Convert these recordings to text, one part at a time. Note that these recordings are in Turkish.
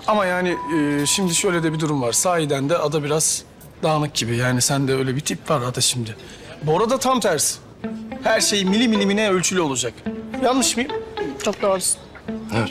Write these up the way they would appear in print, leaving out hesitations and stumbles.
Ama yani şimdi şöyle de bir durum var. Sahiden de Ada biraz dağınık gibi. Yani sende öyle bir tip var Ada şimdi. Bora da tam tersi. Her şey milimine ölçülü olacak. Yanlış mıyım? Çok doğrusun. Evet.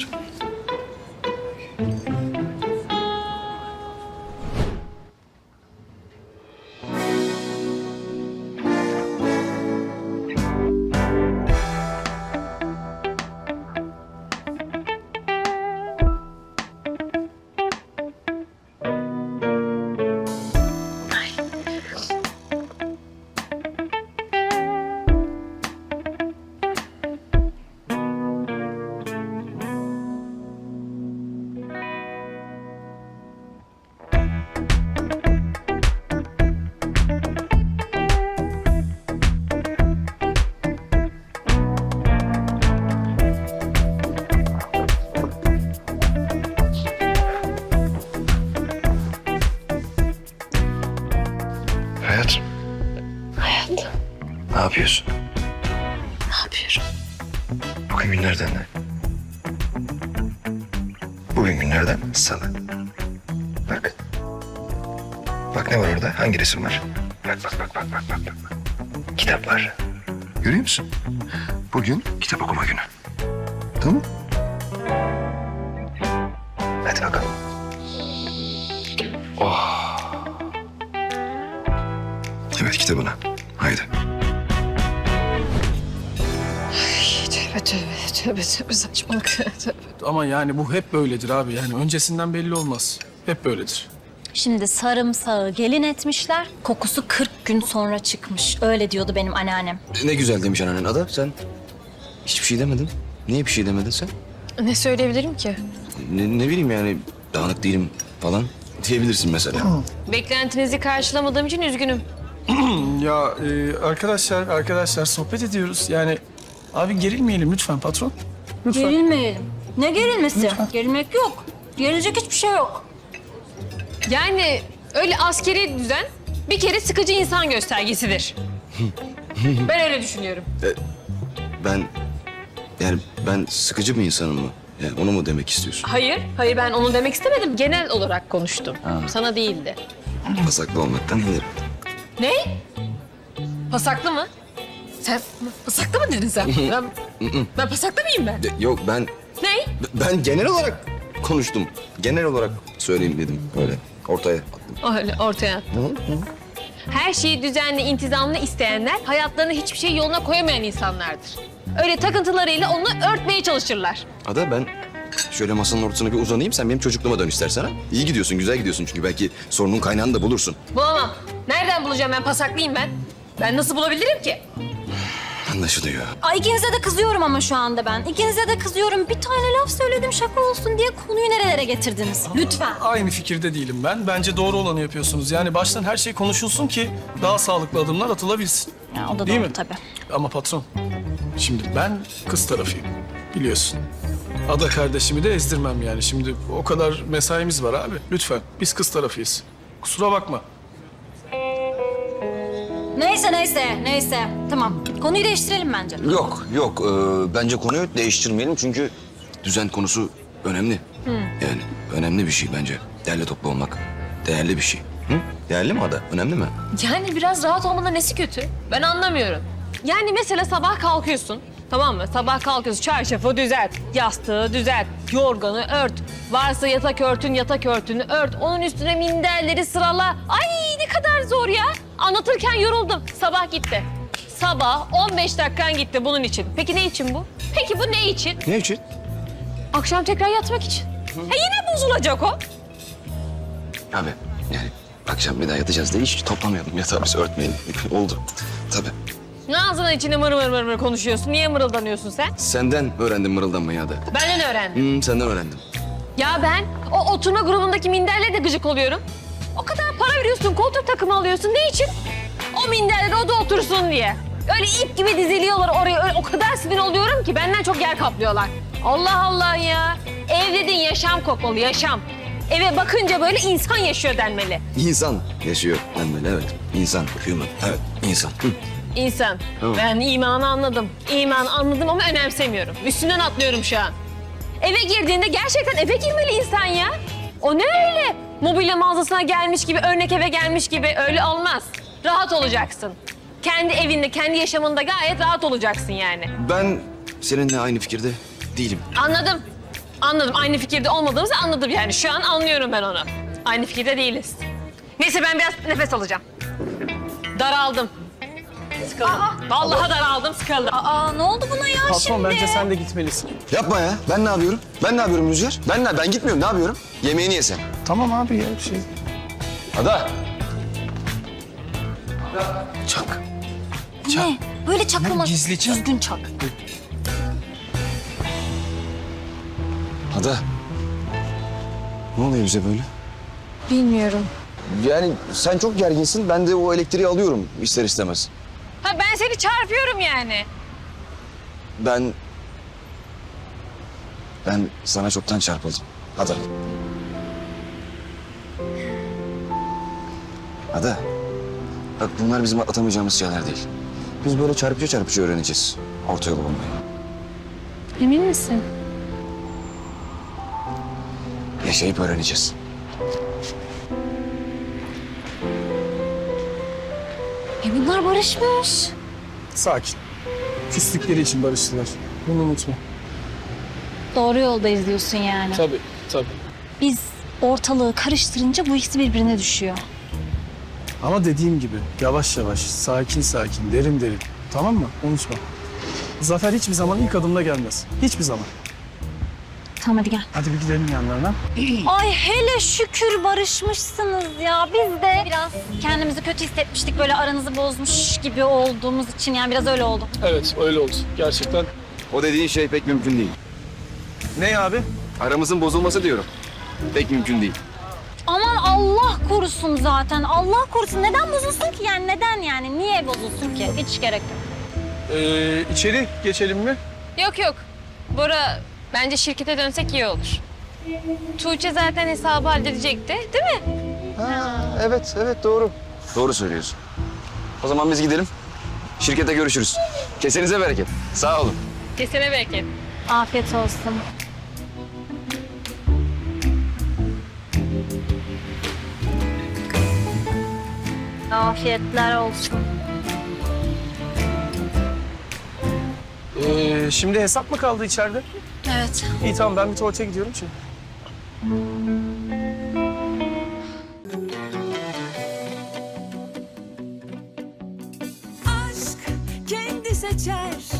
Hayat. Hayat, Ne yapıyorsun? ne yapıyorum? Bugün günlerden ne? Bugün günlerden Salı. Bak. Bak ne var orada? Hangi resim var? Bak. Kitaplar. Görüyor musun? Bugün kitap okuma günü. Tamam. Hadi bakalım. Oh. Evet kitabına. Haydi. Tövbe saçmalık. Tövbe. Ama yani bu hep böyledir abi. Yani öncesinden belli olmaz. Hep böyledir. Şimdi sarımsağı gelin etmişler, kokusu 40 gün sonra çıkmış. Öyle diyordu benim anneannem. Ne güzel demiş anneannen Ada. Sen hiçbir şey demedin. Niye bir şey demedin sen? Ne söyleyebilirim ki? Ne bileyim yani dağınık değilim falan diyebilirsin mesela. Beklentinizi karşılamadığım için üzgünüm. Ya arkadaşlar sohbet ediyoruz. Yani abi gerilmeyelim lütfen patron. Lütfen. Gerilmeyelim. Ne gerilmesi? Gerilmek yok. Gerilecek hiçbir şey yok. Yani öyle askeri düzen bir kere sıkıcı insan göstergesidir. Ben öyle düşünüyorum. Ben sıkıcı bir insanım mı? Yani onu mu demek istiyorsun? Hayır ben onu demek istemedim. Genel olarak konuştum. Sana değildi. Pasaklı olmaktan iyidir. Ne? Pasaklı mı? Sen pasaklı mı dedin sen? Ben pasaklı mıyım ben? Yok Ne? ben genel olarak konuştum. Genel olarak söyleyeyim dedim öyle ortaya attım. Öyle ortaya. Her şeyi düzenli, intizamlı isteyenler hayatlarını hiçbir şey yoluna koyamayan insanlardır. Öyle takıntılarıyla onu örtmeye çalışırlar. Ada ben şöyle masanın ortasına bir uzanayım sen benim çocukluğuma dön istersen ha. İyi gidiyorsun güzel gidiyorsun çünkü belki sorunun kaynağını da bulursun. Bulamam. Nereden bulacağım ben? Pasaklıyım ben. Ben nasıl bulabilirim ki? Anlaşılıyor. Ay ikinize de kızıyorum ama şu anda ben. İkinize de kızıyorum. Bir tane laf söyledim şaka olsun diye konuyu nerelere getirdiniz? Lütfen. Aynı fikirde değilim ben. Bence doğru olanı yapıyorsunuz. Yani baştan her şey konuşulsun ki daha sağlıklı adımlar atılabilsin. Ya, o da Değil doğru mi? tabii. Ama patron, şimdi ben kız tarafıyım. Biliyorsun. Ada kardeşimi de ezdirmem yani. Şimdi o kadar mesaimiz var abi. Lütfen. Biz kız tarafıyız. Kusura bakma. Neyse. Tamam. Konuyu değiştirelim bence. Yok bence konuyu değiştirmeyelim çünkü düzen konusu önemli. Yani önemli bir şey bence. Değerli toplu olmak değerli bir şey. Hı? Değerli mi Ada? Önemli mi? Yani biraz rahat olmanın nesi kötü? Ben anlamıyorum. Yani mesela sabah kalkıyorsun. Tamam mı? Sabah kalkıyorsun. Çarşafı düzelt. Yastığı düzelt. Yorganı ört. Varsa yatak örtünü ört. Onun üstüne minderleri sırala. Ay ne kadar zor ya. Anlatırken yoruldum. Sabah gitti. Sabah 15 dakikan gitti bunun için. Peki ne için bu? Peki bu ne için? Ne için? Akşam tekrar yatmak için. Yine bozulacak o. Abi yani akşam bir daha yatacağız diye hiç toplamayalım yatağı biz örtmeyelim. Oldu. Tabii. Ağzına içine mır konuşuyorsun. Niye mırıldanıyorsun sen? Senden öğrendim mırıldanmayı Ada. Benden öğrendim. Senden öğrendim. Ya ben o oturma grubundaki minderle de gıcık oluyorum. O kadar para veriyorsun, koltuk takımı alıyorsun. Ne için? O minderle de o da otursun diye. Öyle ip gibi diziliyorlar oraya. Öyle, o kadar sinir oluyorum ki benden çok yer kaplıyorlar. Allah Allah ya. Ev dediğin yaşam kokmalı, yaşam. Eve bakınca böyle insan yaşıyor denmeli. İnsan yaşıyor denmeli evet. İnsan, human. Evet, insan. İnsan. Tamam. Ben imanı anladım. İmanı anladım ama önemsemiyorum. Üstünden atlıyorum şu an. Eve girdiğinde gerçekten eve girmeli insan ya. O ne öyle? Mobilya mağazasına gelmiş gibi, örnek eve gelmiş gibi öyle olmaz. Rahat olacaksın. Kendi evinde, kendi yaşamında gayet rahat olacaksın yani. Ben seninle aynı fikirde değilim. Anladım. Anladım. Aynı fikirde olmadığımızı anladım yani. Şu an anlıyorum ben onu. Aynı fikirde değiliz. Neyse ben biraz nefes alacağım. Daraldım. Sıkıldım. Vallahi daraldım, sıkıldım. Aa ne oldu buna ya Patron şimdi? bence sen de gitmelisin. Yapma ya. Ben ne yapıyorum? Ben ne yapıyorum Rüzgar? Ben gitmiyorum. Ne yapıyorum? Yemeğini yesen. Tamam abi ya bir şey. Ada. Çak. Ne? Böyle çaklama. Gizli çak. Düzgün çak. Ada. Ne oluyor bize böyle? Bilmiyorum. Yani sen çok gerginsin. Ben de o elektriği alıyorum ister istemez. Ha ben seni çarpıyorum yani. Ben sana çoktan çarpıldım. Ada. Ada. Bak bunlar bizim atlatamayacağımız şeyler değil. Biz böyle çarpıcı öğreneceğiz. Orta yolu bulmayı. Emin misin? Yaşayıp öğreneceğiz. Bunlar barışmış. Sakin. Küslükleri için barıştılar. Bunu unutma. Doğru yoldayız diyorsun yani. Tabii, tabii. Biz ortalığı karıştırınca bu ikisi birbirine düşüyor. Ama dediğim gibi yavaş yavaş, sakin sakin, derin derin. Tamam mı? Unutma. Zafer hiçbir zaman ilk adımda gelmez. Hiçbir zaman. Tamam hadi gel. Hadi bir gidelim yanlarına. Ay hele şükür barışmışsınız ya. Biz de biraz kendimizi kötü hissetmiştik. Böyle aranızı bozmuş gibi olduğumuz için yani biraz öyle oldu. Evet, öyle oldu. Gerçekten. O dediğin şey pek mümkün değil. Ne abi? Aramızın bozulması diyorum. Pek mümkün değil. Aman Allah korusun zaten. Allah korusun. Neden bozulsun ki yani? Neden yani? Niye bozulsun ki? Hiç gerek yok. İçeri geçelim mi? Yok yok. Bora bence şirkete dönsek iyi olur. Tuğçe zaten hesabı halledecekti değil mi? Evet doğru. Doğru söylüyorsun. O zaman biz gidelim. Şirkete görüşürüz. Kesenize bereket. Sağ olun. Kesene bereket. Afiyet olsun. Afiyetler olsun. Şimdi hesap mı kaldı içeride? Evet. İyi tamam ben bir tuvalete gidiyorum şimdi. aşk kendi seçer